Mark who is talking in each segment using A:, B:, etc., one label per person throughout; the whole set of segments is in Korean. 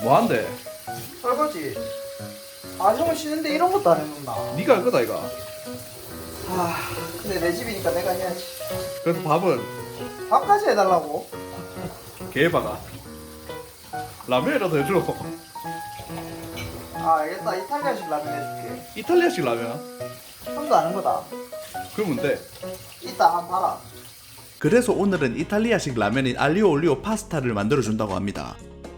A: 뭐한대?
B: 설거지. 아 형은 쉬는데 이런 것도 안 해놓나?
A: 네가 할 거다 이거.
B: 아 근데 내 집이니까 내가 해야지.
A: 그래서 밥은
B: 밥까지 해달라고?
A: 개박아. 라면이라도 해줘.
B: 아 알겠다. 이탈리아식 라면 해줄게.
A: 이탈리아식 라면.
B: 형도 아는 거다.
A: 그러면 돼.
B: 이따 한번 봐라.
C: 그래서 오늘은 이탈리아식 라면인 알리오 올리오 파스타를 만들어준다고 합니다.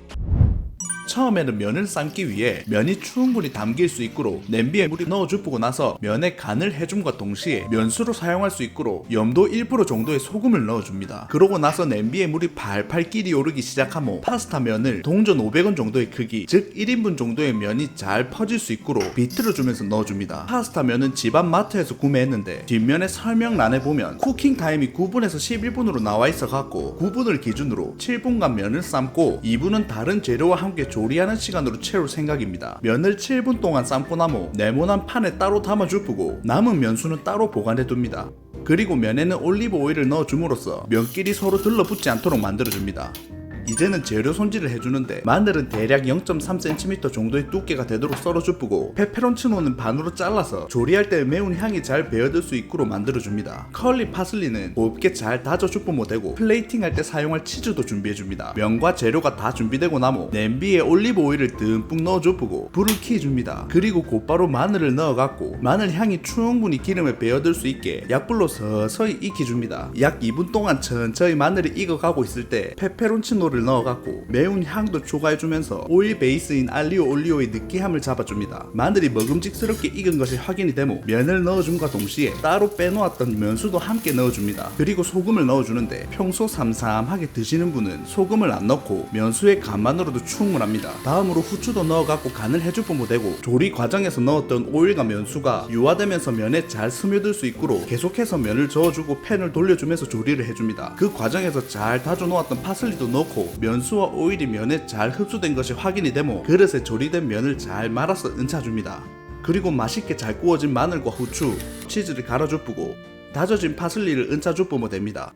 C: 처음에는 면을 삶기 위해 면이 충분히 담길 수 있도록 냄비에 물을 넣어주고 나서 면에 간을 해줌과 동시에 면수로 사용할 수 있도록 염도 1% 정도의 소금을 넣어줍니다. 그러고 나서 냄비에 물이 팔팔 끼리 오르기 시작하면 파스타 면을 동전 500원 정도의 크기, 즉 1인분 정도의 면이 잘 퍼질 수 있도록 비틀어주면서 넣어줍니다. 파스타 면은 집안 마트에서 구매했는데 뒷면에 설명란에 보면 쿠킹 타임이 9분에서 11분으로 나와 있어갖고 9분을 기준으로 7분간 면을 삶고 2분은 다른 재료와 함께 조리하는 시간으로 채울 생각입니다. 면을 7분 동안 삶고 나면 네모난 판에 따로 담아주고 남은 면수는 따로 보관해둡니다. 그리고 면에는 올리브 오일을 넣어줌으로써 면끼리 서로 들러붙지 않도록 만들어줍니다. 이제는 재료 손질을 해주는데 마늘은 대략 0.3cm 정도의 두께가 되도록 썰어주고 페페론치노는 반으로 잘라서 조리할 때 매운 향이 잘 배어들 수 있도록 만들어줍니다. 컬리 파슬리는 곱게 잘 다져주면 되고 플레이팅할 때 사용할 치즈도 준비해줍니다. 면과 재료가 다 준비되고 나면 냄비에 올리브 오일을 듬뿍 넣어주고 불을 켜줍니다. 그리고 곧바로 마늘을 넣어갖고 마늘 향이 충분히 기름에 배어들 수 있게 약불로 서서히 익혀줍니다. 약 2분 동안 천천히 마늘이 익어가고 있을 때 페페론치노 를 넣어갖고 매운 향도 추가해주면서 오일 베이스인 알리오 올리오의 느끼함을 잡아줍니다. 마늘이 먹음직스럽게 익은 것이 확인이 되면 면을 넣어줌과 동시에 따로 빼놓았던 면수도 함께 넣어줍니다. 그리고 소금을 넣어주는데 평소 삼삼하게 드시는 분은 소금을 안 넣고 면수의 간만으로도 충분합니다. 다음으로 후추도 넣어갖고 간을 해주면 되고 조리 과정에서 넣었던 오일과 면수가 유화되면서 면에 잘 스며들 수 있도록 계속해서 면을 저어주고 팬을 돌려주면서 조리를 해줍니다. 그 과정에서 잘 다져놓았던 파슬리도 넣고 면수와 오일이 면에 잘 흡수된 것이 확인이 되면 그릇에 조리된 면을 잘 말아서 얹혀줍니다. 그리고 맛있게 잘 구워진 마늘과 후추, 치즈를 갈아주고 다져진 파슬리를 얹혀주면 됩니다.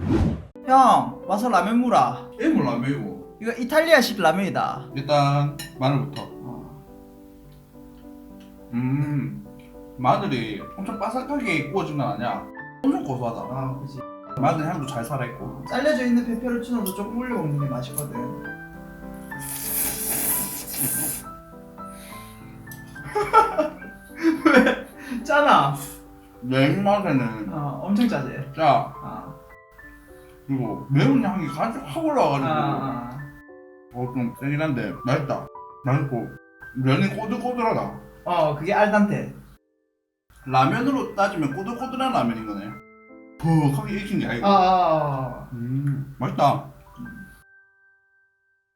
B: 형 와서 라면 무라.
A: 일본 라면이고.
B: 이거 이탈리아식 라면이다.
A: 일단 마늘부터. 마늘이 엄청 바삭하게 구워진 건 아니야. 엄청 고소하다.
B: 아 그치.
A: 마늘 향도 잘 살아있고.
B: 잘려져 있는 페페론치노도 조금 올려 먹는 게 맛있거든. 왜? 짜나?
A: 내 입맛에는
B: 엄청 짜지.
A: 짜.
B: 아.
A: 그리고 매운 향이 가득 확 올라와가지고
B: 아.
A: 좀 세긴 한데 맛있다. 맛있고 면이 꼬들꼬들하다.
B: 그게 알단테.
A: 라면으로 따지면 꼬들꼬들한 라면인 거네. 푹하게 익힌 게 아니고. 맛있다.